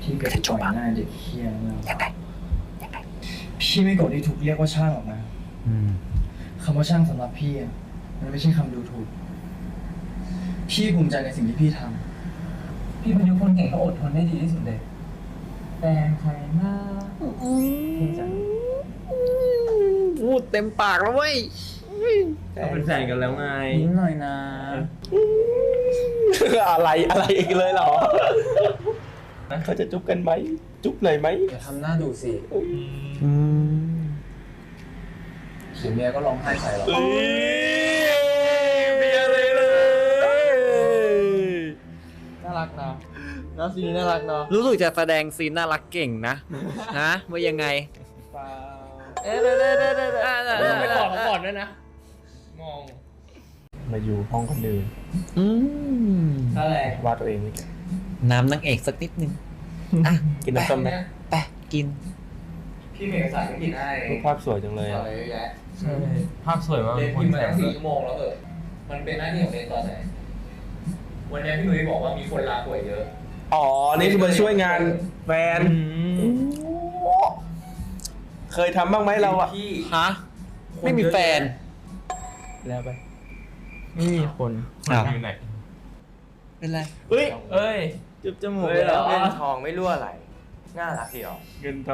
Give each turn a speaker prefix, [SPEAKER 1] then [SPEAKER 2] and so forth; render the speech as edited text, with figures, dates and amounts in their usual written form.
[SPEAKER 1] พี่เกิดต่อยหน้าเด็กเฮี้ยแล้วพี่ไม่โกรธที่ถูกเรียกว่าช่างหรอกนะคำว่าช่างสำหรับพี่อะมันไม่ใช่คำดูถูกพี่ภูมิใจในสิ่งที่พี่ทำพี่เป็นคนเก่งก็อดทนได้ดีที่สุดเลยแฟนใครนะพี่จัง
[SPEAKER 2] พูดเต็มปากแล้วเว้ย
[SPEAKER 3] เขาเป็นแฟนกันแล้วไง
[SPEAKER 1] ยิ้มหน่อยนะ
[SPEAKER 3] อะไรอีกเลยเหรอเขาจะจุ๊บกันไหมจุ๊บเลยไหม
[SPEAKER 1] อย่าทำหน้าดูสิเดี๋ยวเมียก็ร้องไห้ใส่หรอก
[SPEAKER 3] เบียร์เลย
[SPEAKER 1] น่ารักนะน้ำซีน่ารักเนาะ
[SPEAKER 2] รู้สึกจะแสดงซีนน่ารักเก่งนะนะว่ายังไง
[SPEAKER 1] เอ๊ะเด้
[SPEAKER 2] ไปก่อนด้วยนะ
[SPEAKER 1] มอง
[SPEAKER 3] มาอยู่ห้องคนอื่น
[SPEAKER 1] อะไร
[SPEAKER 3] วาดตัวเองไม่เก่ง
[SPEAKER 2] น้ำนางเอกสักนิดนึงอ่ะ
[SPEAKER 3] กินน้ำส้มไหม
[SPEAKER 2] ไปกิน
[SPEAKER 1] พี่เมย์สายไม่กินให้
[SPEAKER 3] รูปภาพสวยจังเลย
[SPEAKER 1] อะไร
[SPEAKER 3] อ่ะ
[SPEAKER 1] เยอะแยะ
[SPEAKER 3] ใช่ภาพสวยมาก
[SPEAKER 1] เรียนพิมพ์มาตั้ง4 ชั่วโมงแล้วมันเป็นหน้าที่ของเรียนตอนไหนวันนี้พี่นุ้ยบอกว่ามีคนลาป่วยเยอะ
[SPEAKER 3] อ๋อ นี่คือมาช่วยงานแฟนเคยทำบ้างไหมเราอ่ะ
[SPEAKER 1] พี่
[SPEAKER 2] ฮะ ไม่มีแฟน
[SPEAKER 3] แล้วไป ไม่มีคน
[SPEAKER 2] อ้าว
[SPEAKER 3] อยู่ไหน
[SPEAKER 2] เป็นไร
[SPEAKER 3] เอ้ยจุบจมูก
[SPEAKER 1] เฮ้ยเหรอ
[SPEAKER 4] เล่นทองไม่รั่วไหลน่ารักดีหรอ
[SPEAKER 3] เงินท